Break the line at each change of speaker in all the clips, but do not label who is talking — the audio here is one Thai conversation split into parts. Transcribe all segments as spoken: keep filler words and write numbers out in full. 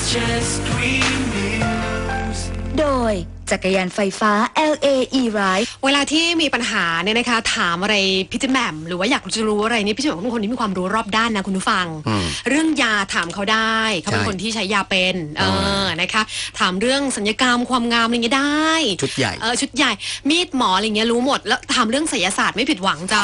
just green news
โดยจักรยานไฟฟ้า แอล เอ E-Ride
เวลาที่มีปัญหาเนี่ยนะคะถามอะไรพี่จิแหม่มหรือว่าอยากจะรู้อะไรนี่พี่จิแหม่มเป็นคนที่มีความรู้รอบด้านนะคุณผู้ฟังเรื่องยาถามเขาได้เขาเป็นคนที่ใช้ยาเป็นเออนะคะถามเรื่องสัญญกรรมความงามอะไรเงี้ยได้
ชุดใหญ่
เออชุดใหญ่มีดหมออะไรเงี้ยรู้หมดแล้วถามเรื่องไสยศาสตร์ไม่ผิดหวังจ้า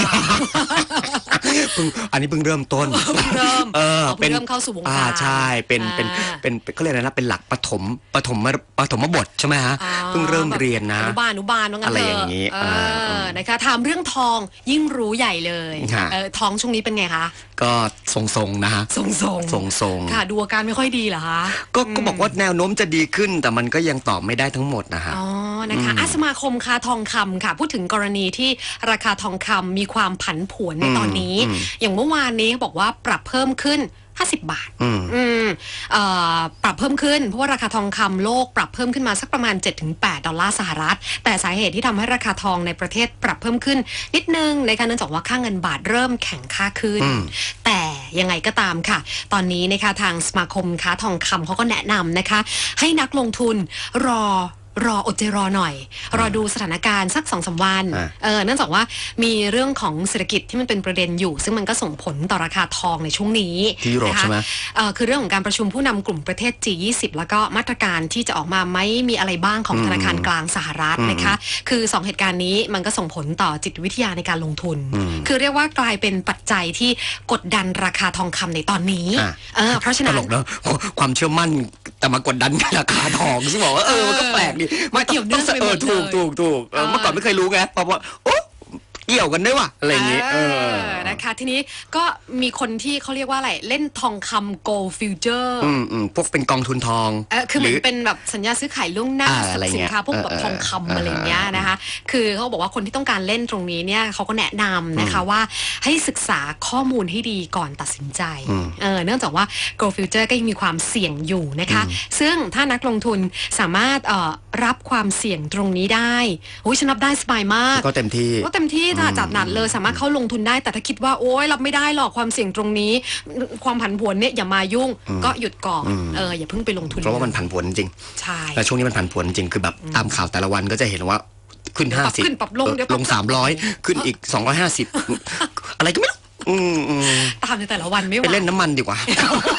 อันนี้เพิ่งเริ่มต้น
เริ่ม
เออ
เป็นเริ่มเข้าสู่วงการ
ใช่เป็นเป็นเป็นเขาเรียกอะไรนะเป็นหลักปฐมปฐมปฐมบทใช่ไหมฮะเพิ่งเริ่มเรียนนะ
อนุบาลอนุบาลว่างั้น
อะไรอย่างนี้
นะคะถามเรื่องทองยิ่งรู้ใหญ่เลยทองช่วงนี้เป็นไงคะ
ก็ทรงๆนะฮะ
ทรงๆ
ทรงๆ
ค่ะดูอาการไม่ค่อยดีเหรอคะ
ก็ก็บอกว่าแนวโน้มจะดีขึ้นแต่มันก็ยังตอบไม่ได้ทั้งหมดนะฮะ
อ๋อนะคะสมาคมค้าทองคำค่ะพูดถึงกรณีที่ราคาทองคำมีความผันผวนในตอนนี้อย่างเมื่อวานนี้บอกว่าปรับเพิ่มขึ้นห้าสิบบาทอืมอืมเอ่อปรับเพิ่มขึ้นเพราะว่าราคาทองคำโลกปรับเพิ่มขึ้นมาสักประมาณ เจ็ดถึงแปด ดอลลาร์สหรัฐแต่สาเหตุที่ทำให้ราคาทองในประเทศปรับเพิ่มขึ้นนิดนึงในการเนื่องจากว่าค่าเงินบาทเริ่มแข็งค่าขึ้นแต่ยังไงก็ตามค่ะตอนนี้นะคะทางสมาคมค้าทองคำเขาก็แนะนำนะคะให้นักลงทุนรอรออดใจรอหน่อยรอดูสถานการณ์สักสองสามวันเออเนื่องจากว่ามีเรื่องของเศรษฐกิจที่มันเป็นประเด็นอยู่ซึ่งมันก็ส่งผลต่อราคาทองในช่วงนี้
ที่ยุโรปใช่ไหม
เออคือเรื่องของการประชุมผู้นำกลุ่มประเทศ จี ยี่สิบ แล้วก็มาตรการที่จะออกมาไม่มีอะไรบ้างของธนาคารกลางสหรัฐนะคะคือสองเหตุการณ์นี้มันก็ส่งผลต่อจิตวิทยาในการลงทุนคือเรียกว่ากลายเป็นปัจจัยที่กดดันราคาทองคำในตอนนี้เออเพราะฉะนั้น
ตลกเนอะความเชื่อมั่นแต่มากดดันราคาทองซึ่งบอกว่าเออมันก็แปลกดี
ไม่เกี่ยวเนื่องไปหมดเลย
ถูกถูกถูกเมื่อก่อนไม่เคยรู้ไงพอว่าโอ้เกี่ยวกันได้ว่ะอะไรอย่างงี้เออ
นะคะทีนี้ก็มีคนที่เขาเรียกว่าอะไรเล่นทองคำ gold future
อืมอืมพวกเป็นกองทุนทอง
เออคือเหมือนเป็นแบบสัญญาซื้อขายล่วงหน้าสินค้าพวกแบบทองคำอะไรเงี้ยนะคะคือเขาบอกว่าคนที่ต้องการเล่นตรงนี้เนี่ยเขาก็แนะนำนะคะว่าให้ศึกษาข้อมูลให้ดีก่อนตัดสินใจเออเนื่องจากว่า gold future ก็ยังมีความเสี่ยงอยู่นะคะซึ่งถ้านักลงทุนสามารถเอ่อรับความเสี่ยงตรงนี้ได้โอ้ยฉันรับได้สบายมาก
ก็เต็มที่
ก็เต็มที่จัดหนักเลยสามารถเข้าลงทุนได้แต่ถ้าคิดว่าโอ๊ยรับไม่ได้หรอกความเสี่ยงตรงนี้ความผันผวนเนี่ยอย่ามายุ่งก็หยุดก่อนเอออย่าเพิ่งไปลงทุน
เพราะว่ามันผันผวนจริง
ใช่
แต่ช่วงนี้มันผันผวนจริงคือแบบตามข่าวแต่ละวันก็จะเห็นว่าขึ้นห้าสิบ
ขึ้นปรับลงเดี๋ยว
ลงสามร้อยขึ้นอีกสองร้อยห้าสิบอะไรก็ไม่รู้
ตามในแต่ละวันไม่ไหว
ไปเล่นน้ำมันดีกว่า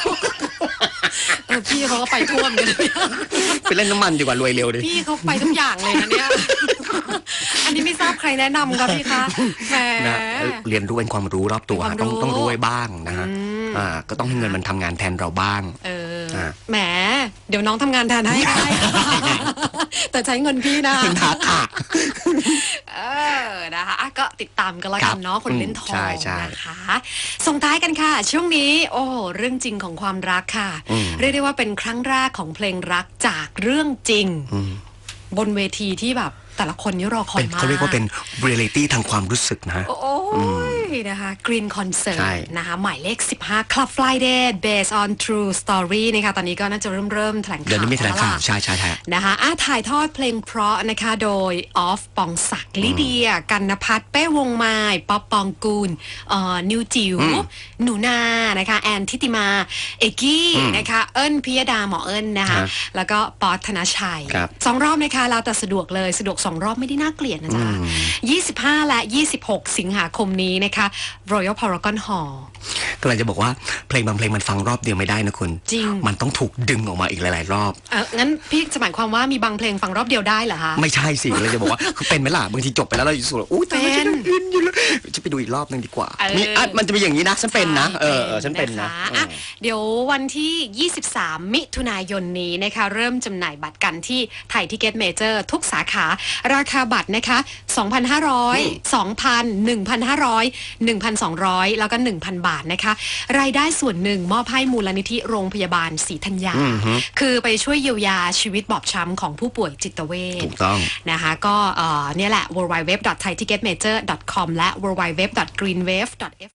พี่เขาก็ไปท่วมกัน
ไปเล่นน้ำมันดีกว่ารวยเร็วดิ
พี่เขาไปทุกอย่างเลยนะเนี่ยอันนี้ไม่ทราบใครแนะนำครับพี่คะแหม
เรียนรู้เป็นความรู้รอบตัวต้องต้องรู้ไว้บ้างนะฮะก็ต้องให้เงินมันทำงานแทนเราบ้าง
เออแหมเดี๋ยวน้องทำงานแทนให้ได้แต่ใช้เงินพี่นะ
ทักค่ะ
เออนะคะก็ติดตามกันแล้วกันเนาะคนเล่นทองนะคะส่งท้ายกันค่ะช่วงนี้โอ้เรื่องจริงของความรักค่ะเรียกได้ว่าเป็นครั้งแรกของเพลงรักจากเรื่องจริงบนเวทีที่แบบแต่ละคนนี่รอคอยมาก
เขาเรียกว่าเป็นเรียลิตี้ทางความรู้สึกนะ
โอ้ยนะคะ Green Concert นะคะหมายเลขสิบห้า Club Friday based on true story นะคะตอนนี้ก็น่าจะเริ่มเริ่มแถลงข่าว
เดี๋ยวนี้มีแถลงข่าวใช่ใช่ใช่
นะคะอ่ะถ่ายทอดเพลงเพราะนะคะโดยออฟปองศักดิ์ลิเดียกันนภัทรเป้วงไม้ป๊อปปองกูลเอ่อนิวจิ๋วหนูนานะคะแอนทิติมาเอกกี้นะคะเอิญพิยดาหมอเอิญนะคะแล้วก็ป๊อตธนชัยสองรอบนะคะเราแต่สะดวกเลยสะดวกสองรอบไม่ได้น่าเกลียดนะจ๊ะยี่สิบห้าและยี่สิบหกสิงหาคมนี้นะคะ Royal Paragon Hall
ก็เลยจะบอกว่าเพลงบางเพลงมันฟังรอบเดียวไม่ได้นะคุณ
จริง
มันต้องถูกดึงออกมาอีกหลายๆรอบ
เอองั้นพี่จะหมายความว่ามีบางเพลงฟังรอบเดียวได้เหรอคะ
ไม่ใช่สิเลยจะบอกว่าคือเป็นไหมล่ะบางทีจบไปแล้วเราอยู่สุดอู้ตายฉันอินอยู่แล้วจะไปดูอีกรอบนึงดีกว่ามีอ่ะมันจะมีอย่างนี้นะฉันเป็นนะเออฉันเป็นนะ
เดี๋ยววันที่ยี่สิบสามมิถุนายนนี้นะคะเริ่มจำหน่ายบัตรกันที่ไทยทิเก็ตเมเจอร์ทุกสาขาราคาบัตรนะคะ สองพันห้าร้อย สองพัน หนึ่งพันห้าร้อย หนึ่งพันสองร้อย แล้วก็ หนึ่งพัน บาทนะคะรายได้ส่วนหนึ่งมอบให้มูลนิธิโรงพยาบาลศรีธัญญาคือไปช่วยเยียวยาชีวิตบอบช้ำของผู้ป่วยจิตเวช
ถูกต้อง
นะคะก็เอ่อเนี่ยแหละ ดับเบิลยู ดับเบิลยู ดับเบิลยู ดอท ไทย ทิกเก็ตเมเจอร์ ดอท คอม และ ดับเบิลยู ดับเบิลยู ดับเบิลยู ดอท กรีนเวฟ ดอท